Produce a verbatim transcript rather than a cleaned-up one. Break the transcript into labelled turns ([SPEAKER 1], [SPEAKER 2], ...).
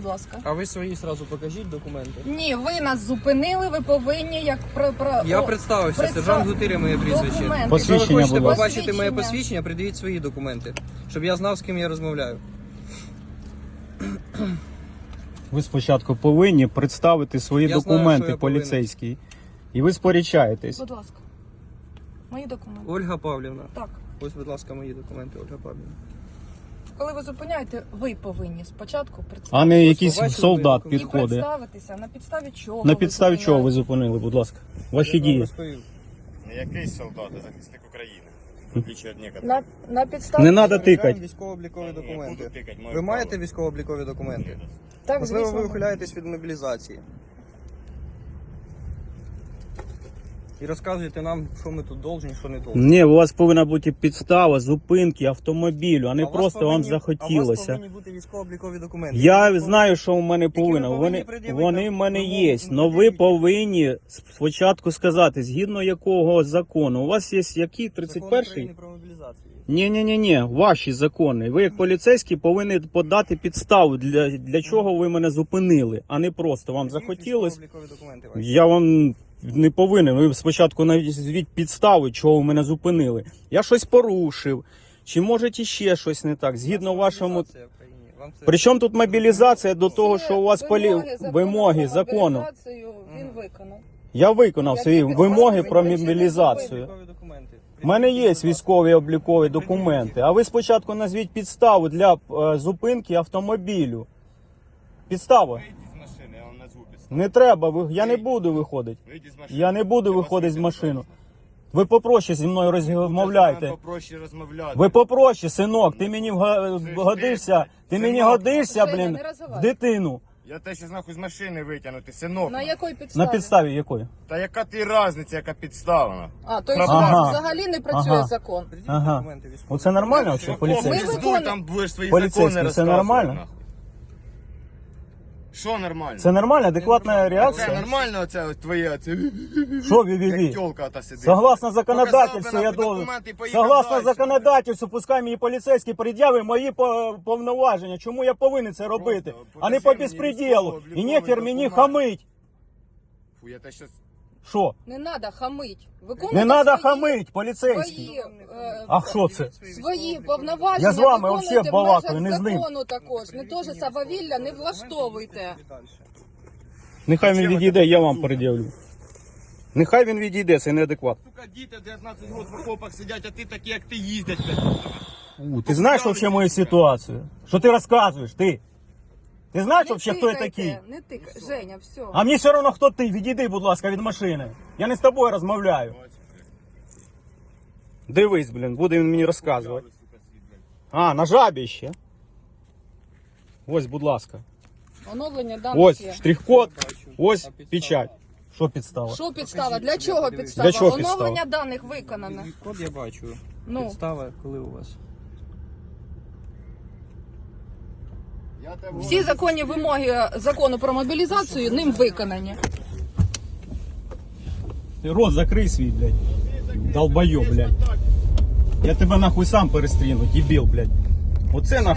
[SPEAKER 1] будь ласка.
[SPEAKER 2] А ви свої сразу покажіть документи.
[SPEAKER 1] Ні, ви нас зупинили, ви повинні як про... про...
[SPEAKER 2] Я
[SPEAKER 1] о,
[SPEAKER 2] представився,
[SPEAKER 1] представ-
[SPEAKER 2] сержант Гутиря моє прізвище.
[SPEAKER 1] Документи.
[SPEAKER 2] Якщо ви
[SPEAKER 3] Посвідчення,
[SPEAKER 2] хочете
[SPEAKER 3] будь ласка.
[SPEAKER 2] побачити моє
[SPEAKER 1] Посвідчення.
[SPEAKER 2] посвідчення, придивіть свої документи, щоб я знав, з ким я розмовляю.
[SPEAKER 3] Ви спочатку повинні представити свої
[SPEAKER 2] Я знаю,
[SPEAKER 3] документи
[SPEAKER 2] що я повинен.
[SPEAKER 3] поліцейські. І ви сперечаєтесь.
[SPEAKER 1] Будь ласка. Мої документи.
[SPEAKER 2] Ольга Павлівна.
[SPEAKER 1] Так.
[SPEAKER 2] Ось, будь ласка, мої документи, Ольга Павлівна.
[SPEAKER 1] Коли ви зупиняєте, ви повинні спочатку представити.
[SPEAKER 3] А не якийсь
[SPEAKER 2] побачили
[SPEAKER 3] солдат
[SPEAKER 2] мої
[SPEAKER 1] І
[SPEAKER 3] підходить.
[SPEAKER 1] представитися, на підставі чого
[SPEAKER 3] На
[SPEAKER 1] ви
[SPEAKER 3] підставі чого ви
[SPEAKER 1] зупиняєте.
[SPEAKER 3] зупинили, будь ласка?
[SPEAKER 2] Я
[SPEAKER 3] Ваші
[SPEAKER 2] вам
[SPEAKER 3] дії.
[SPEAKER 2] розповів.
[SPEAKER 4] Не якийсь солдат, а захисник України. В отличие від некоторых.
[SPEAKER 1] На, на підставі...
[SPEAKER 3] Не надо
[SPEAKER 2] Перевіряємо
[SPEAKER 3] тикати.
[SPEAKER 2] військово-облікові
[SPEAKER 4] Ні, я
[SPEAKER 2] документи.
[SPEAKER 4] буду тикати, маю
[SPEAKER 2] Ви
[SPEAKER 4] право.
[SPEAKER 2] маєте військово-облікові документи?
[SPEAKER 1] Так,
[SPEAKER 2] Можливо,
[SPEAKER 1] звісно.
[SPEAKER 2] ви ухиляєтесь від мобілізації. І розказуєте нам, що ми тут должні, що не должні.
[SPEAKER 3] Ні, у вас повинна бути підстава зупинки автомобілю, а не
[SPEAKER 2] А у вас
[SPEAKER 3] просто
[SPEAKER 2] повинні-
[SPEAKER 3] вам
[SPEAKER 2] А у вас
[SPEAKER 3] захотілося.
[SPEAKER 2] повинні бути військово-облікові документи.
[SPEAKER 3] Я
[SPEAKER 2] Які
[SPEAKER 3] знаю, що в мене
[SPEAKER 2] ви
[SPEAKER 3] повинно.
[SPEAKER 2] повинні
[SPEAKER 3] Вони,
[SPEAKER 2] пред'явити
[SPEAKER 3] вони в мене
[SPEAKER 2] вимогу
[SPEAKER 3] є.
[SPEAKER 2] на
[SPEAKER 3] Але ви
[SPEAKER 2] пред'явіть.
[SPEAKER 3] повинні спочатку сказати, згідно якого закону. У вас є який?
[SPEAKER 2] Закон
[SPEAKER 3] тридцять перший?
[SPEAKER 2] України про мобілізацію.
[SPEAKER 3] Ні, ні, ні, ні, ваші закони. Ви як поліцейські повинні подати підставу, для, для чого ви мене зупинили, а не просто вам захотілось.
[SPEAKER 2] Військово-облікові документи ваші.
[SPEAKER 3] Я вам не повинен. Ви спочатку назвіть підстави, чого ви мене зупинили. Я щось порушив. Чи може ще щось не так? Згідно
[SPEAKER 2] У нас
[SPEAKER 3] вашому.
[SPEAKER 2] мобілізація в країні. Вам це-
[SPEAKER 3] Причому тут мобілізація до того, що у вас полі...
[SPEAKER 1] закону
[SPEAKER 3] вимоги
[SPEAKER 1] про
[SPEAKER 3] закону.
[SPEAKER 1] мобілізацію Він виконав.
[SPEAKER 3] Я виконав
[SPEAKER 1] Я
[SPEAKER 3] свої
[SPEAKER 1] тільки
[SPEAKER 3] вимоги
[SPEAKER 1] сказала,
[SPEAKER 3] про
[SPEAKER 1] ви нічого не
[SPEAKER 3] мобілізацію.
[SPEAKER 2] Військово-облікові документи.
[SPEAKER 3] У мене є
[SPEAKER 2] Придивіть, будь ласка.
[SPEAKER 3] військові облікові документи, а ви спочатку назвіть підставу для е, зупинки автомобілю. Підстава.
[SPEAKER 4] Вийдіть з машини, я вам назву підставу.
[SPEAKER 3] Не треба, ви- я не буду виходити.
[SPEAKER 4] Вийдіть з машини.
[SPEAKER 3] Я не буду
[SPEAKER 4] Я вас
[SPEAKER 3] виходити з
[SPEAKER 4] вийду,
[SPEAKER 3] машини.
[SPEAKER 4] пожалуйста.
[SPEAKER 3] Ви попроще зі мною розмовляйте.
[SPEAKER 4] Вам попроще розмовляти.
[SPEAKER 3] Ви попроще, синок, ти мені вга-
[SPEAKER 4] Це ж
[SPEAKER 3] годишся,
[SPEAKER 4] ти,
[SPEAKER 3] ти мені
[SPEAKER 4] синок.
[SPEAKER 3] годишся,
[SPEAKER 1] Женя,
[SPEAKER 3] блін,
[SPEAKER 1] не
[SPEAKER 3] в
[SPEAKER 1] роззивай.
[SPEAKER 3] дитину.
[SPEAKER 4] Я те, що нахуй з машини витягнути, синок.
[SPEAKER 1] На якій підставі?
[SPEAKER 3] На підставі якої?
[SPEAKER 4] Та яка ти різниця, яка підстава?
[SPEAKER 1] А, то
[SPEAKER 3] Ага.
[SPEAKER 1] взагалі не працює
[SPEAKER 3] Ага.
[SPEAKER 1] закон.
[SPEAKER 2] Придивіть
[SPEAKER 3] Ага.
[SPEAKER 2] документи військові.
[SPEAKER 3] Оце нормально
[SPEAKER 4] Ми
[SPEAKER 3] взагалі, поліцейський?
[SPEAKER 1] Ми
[SPEAKER 4] здуй, там будеш свої
[SPEAKER 3] Поліцейський,
[SPEAKER 4] закони
[SPEAKER 3] це
[SPEAKER 4] розказувати.
[SPEAKER 3] нормально?
[SPEAKER 4] нахуй. Що нормально?
[SPEAKER 3] Це нормальна, адекватна
[SPEAKER 4] Це
[SPEAKER 3] реакція?
[SPEAKER 4] нормально оце ось твоє, оце,
[SPEAKER 3] Що ві-ві-ві?
[SPEAKER 4] як тёлка та сидить.
[SPEAKER 3] Согласно законодательству,
[SPEAKER 4] Показав би
[SPEAKER 3] я
[SPEAKER 4] нахуй
[SPEAKER 3] должен.
[SPEAKER 4] документи і поїхав
[SPEAKER 3] Согласно
[SPEAKER 4] дальше.
[SPEAKER 3] законодательству, пускай мені поліцейський пред'яви мої по- повноваження. Чому я повинен це робити?
[SPEAKER 4] Просто
[SPEAKER 3] А не по
[SPEAKER 4] покажи мені
[SPEAKER 3] безпреділу. І
[SPEAKER 4] військово-обліковий
[SPEAKER 3] нехер мені
[SPEAKER 4] документ.
[SPEAKER 3] хамить.
[SPEAKER 4] Фу, я те щас...
[SPEAKER 3] Що?
[SPEAKER 1] Не треба хамить. Виконуйте
[SPEAKER 3] Не треба
[SPEAKER 1] свої-
[SPEAKER 3] хамить, поліцейський.
[SPEAKER 1] Свої, е,
[SPEAKER 3] А що це?
[SPEAKER 1] свої повноваження
[SPEAKER 3] Я з вами
[SPEAKER 1] виконуйте
[SPEAKER 3] взагалі
[SPEAKER 1] в
[SPEAKER 3] балакаю,
[SPEAKER 1] межах
[SPEAKER 3] не з ним.
[SPEAKER 1] закону також. Не теж сававілля не влаштовуйте.
[SPEAKER 3] Нехай він
[SPEAKER 4] Зачем
[SPEAKER 3] відійде,
[SPEAKER 4] це
[SPEAKER 3] я вам
[SPEAKER 4] сука?
[SPEAKER 3] пред'явлю. Нехай він відійде, це неадекват.
[SPEAKER 4] Сука, діти дев'ятнадцять років в окопах сидять, а ти такі, як ти їздять, блядь.
[SPEAKER 3] У, ти знаєш взагалі мою ситуацію? Що ти розказуєш, ти? Ти знаєш
[SPEAKER 1] Не
[SPEAKER 3] взагалі, хто я
[SPEAKER 1] тикайте,
[SPEAKER 3] такий?
[SPEAKER 1] Не тикай. Женя, все.
[SPEAKER 3] А мені все одно, хто ти. Відійди, будь ласка, від машини. Я не з тобою розмовляю. Дивись, блін, буде він мені розказувати. А, на жабі ще. Ось, будь ласка.
[SPEAKER 1] Оновлення даних
[SPEAKER 3] Ось
[SPEAKER 1] є.
[SPEAKER 3] штрих-код,
[SPEAKER 2] Бачу.
[SPEAKER 3] ось
[SPEAKER 2] А підстава?
[SPEAKER 3] печать. Що підстава?
[SPEAKER 1] Що підстава?
[SPEAKER 2] Покажіть,
[SPEAKER 1] Для
[SPEAKER 2] щоб
[SPEAKER 1] чого
[SPEAKER 2] я подивився.
[SPEAKER 1] підстава?
[SPEAKER 3] Для чого підстава?
[SPEAKER 1] Оновлення даних виконане.
[SPEAKER 2] Код я бачу.
[SPEAKER 1] Ну.
[SPEAKER 2] Підстава, коли у вас?
[SPEAKER 1] Всі законні вимоги закону про мобілізацію ним виконані.
[SPEAKER 3] Ти рот закрий свій, блядь. Долбойоб, блядь. Я тебе нахуй сам перестріну, дебіл, блядь. Оце нахуй.